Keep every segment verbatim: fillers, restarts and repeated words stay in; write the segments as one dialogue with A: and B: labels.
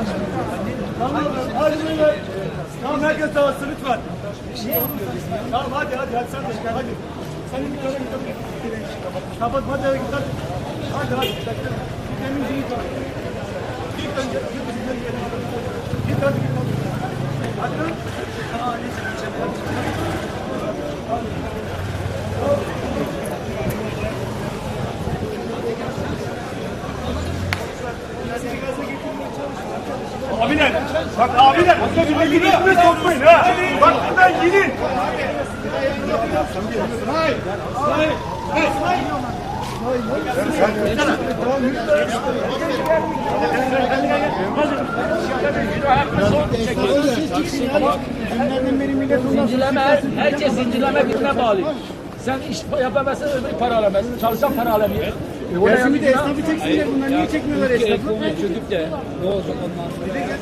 A: Tamam, hadi beyler. Tamam, herkes dağılsın lütfen. Tamam, hadi hadi hadi sen de çıkar hadi. Senin bir tane git. Kapat hadi eve git hadi. Hadi hadi. Temizliği git. Git önce. Git hadi git hadi. Hadi lan. Aa, ne çıkacak? Abiler, bak abiler, burada birbirine sokmayın ha. Bak buradan gidin. Hayır, hayır, hayır.
B: Zincirleme, herkes zincirleme birbirine bağlı. Sen iş yapamazsan öbür para alamazsın, çalışan para alamıyor. E,
A: Gelsin bir de esnafı çeksinler, bunlar niye çekmiyorlar esnafı?
B: Çöküp de ne olacak ondan sonra?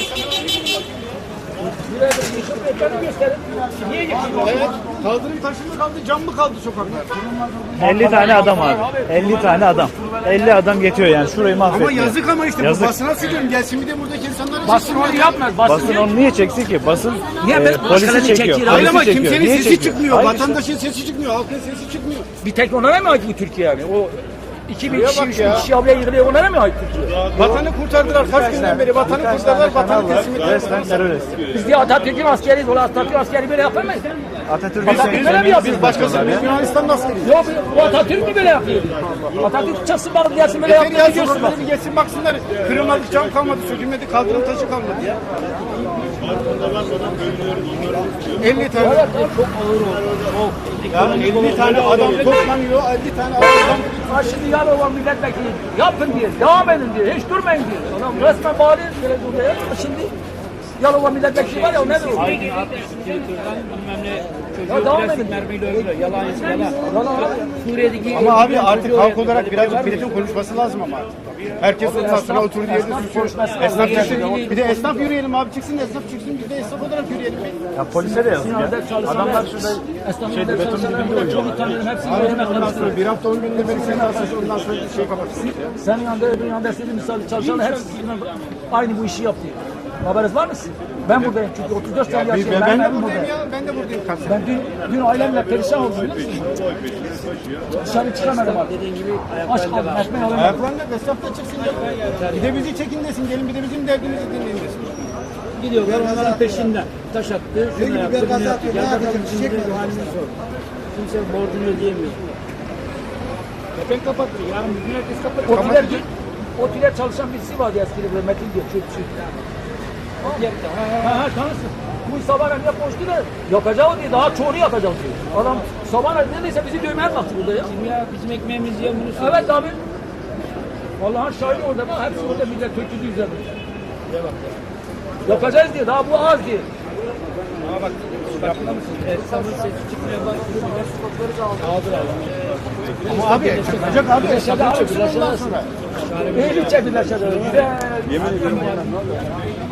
B: Buraya da yıkıp ekranı gösterin. Niye yıkıyorlar?
A: Evet, kaldırım taşı mı kaldı, cam mı kaldı sokakta?
C: elli tane adam abi. elli tane adam. elli adam geçiyor yani. Şurayı mahvettiler.
A: Ama yazık ama işte
C: Yazık.
A: bu basına söylüyorum. Gelsin bir de buradaki insanları
B: Basın onu yapmaz. Basın,
C: Basın onu niye çeksin ki? Basın
B: Niye?
C: e,
B: Başkalarını
C: polisi çekiyor.
B: çekiyor.
A: Hayır
C: Polisi
A: ama
C: çekiyor.
A: kimsenin
C: Niye
A: sesi
C: çekiyor?
A: çıkmıyor.
C: Hayır işte.
A: Vatandaşın sesi çıkmıyor. Halkın sesi çıkmıyor.
B: bir tek onlara mı ait bu Türkiye yani? O iki bin
A: Şuraya
B: kişi,
A: bak
B: üç
A: ya.
B: bin kişi ablaya yığılıyor. Onlara mı ait Türkiye?
A: Vatanı kurtardılar. Kaç günden beri vatanı kurtardılar. Vatanı teslim ettiler.
C: Resmen terörist.
B: Biz diye Atatürk'ün askeriyiz. Ola Atatürk askeri böyle yapamayız.
C: Atatürk'ün
B: Atatürk böyle mi yapıyor?
A: Biz başkası, biz Yunanistan'ın askeriyiz.
B: Yok bu Atatürk mü böyle yapıyor? Atatürk çıksın bak gelsin böyle
A: Yeter ya,
B: yaptığını görsün bak.
A: sokakları bir geçsin baksınlar. Kırılmadı, cam kalmadı, sökülmedi, kaldırım taşı kalmadı ya. elli tane.
B: Evet, çok ağır oldu. Çok.
A: Ya elli tane adam toplanıyor, elli tane adam.
B: Ha şimdi Yalova milletvekili yapın diye, devam edin diye, hiç durmayın diye. Adam resmen bağlı böyle buraya. Şimdi Yalova milletvekili var ya o nedir o? Ya devam edin.
D: Yalan yalan. Suriye'deki
A: Ama abi artık halk olarak birazcık milletin konuşması lazım ama artık. Herkes sırasına oturduğu yerde susuyor. Esnaf çıksın. Bir de esnaf yürüyelim abi, çıksın esnaf çıksın, biz de esnaf olarak yürüyelim.
C: Ya polise de yazık ya. Adamlar şurada
B: şeyde beton dibinde uyuyor. Çok utanıyorum hepsini veremez.
A: Ondan sonra bir hafta on günde beri seni asıl ondan sonra bir şey kapatsın.
B: Senin yanında öbür yanında istediğin misal çalışanlar hepsi aynı bu işi yapıyor. Haberiniz var mı sizin? Ben buradayım çünkü otuz dört sene
A: Biz,
B: yaşıyorum.
A: ben, ben de
B: buradayım.
A: buradayım ya, ben de buradayım. Kalsın.
B: Ben dün, dün ailemle perişan oldum biliyor musun? Dışarı çıkamadım abi.
D: dediğin gibi
B: Aç
D: ayaklarında
B: kaldım,
D: var.
B: ekmeği alamadım.
A: Ayaklarında esnaf da çıksın ya. Bir de bizi çekin desin, gelin bir de bizim derdimizi dinleyin desin.
D: Gidiyorlar onların peşinden. Taş attı, şunu yaptı, bunu yaptı. Gel bakalım şimdi de halini sor. Kimse borcunu ödeyemiyor.
A: Kepen kapattı, yarın bir gün herkes kapatır.
B: Otiler, otiler çalışan birisi vardı eskide böyle Metin diyor. Çöpçü. Ha ha tanırsın. Bu sabahına niye koştu da yapacağı diye daha çoğunu yapacağız diyor. Adam sabahına neredeyse bizi dövmeye kalktı burada ya.
D: Şimdi ya bizim ekmeğimiz yiyor bunu söylüyor.
B: Evet abi. Vallahi şahit orada bak hepsi orada millet töküldü üzerinde. Yapacağız diye daha bu az diye.
D: Ama bak farkında mısın? Esnafın sesi çıkmıyor bak. Aldır abi.
A: Ama abi, çıkacak abi, esnaf çıksın ondan sonra.
B: İyi bir çektiler şöyle. Güzel. Yemin ediyorum.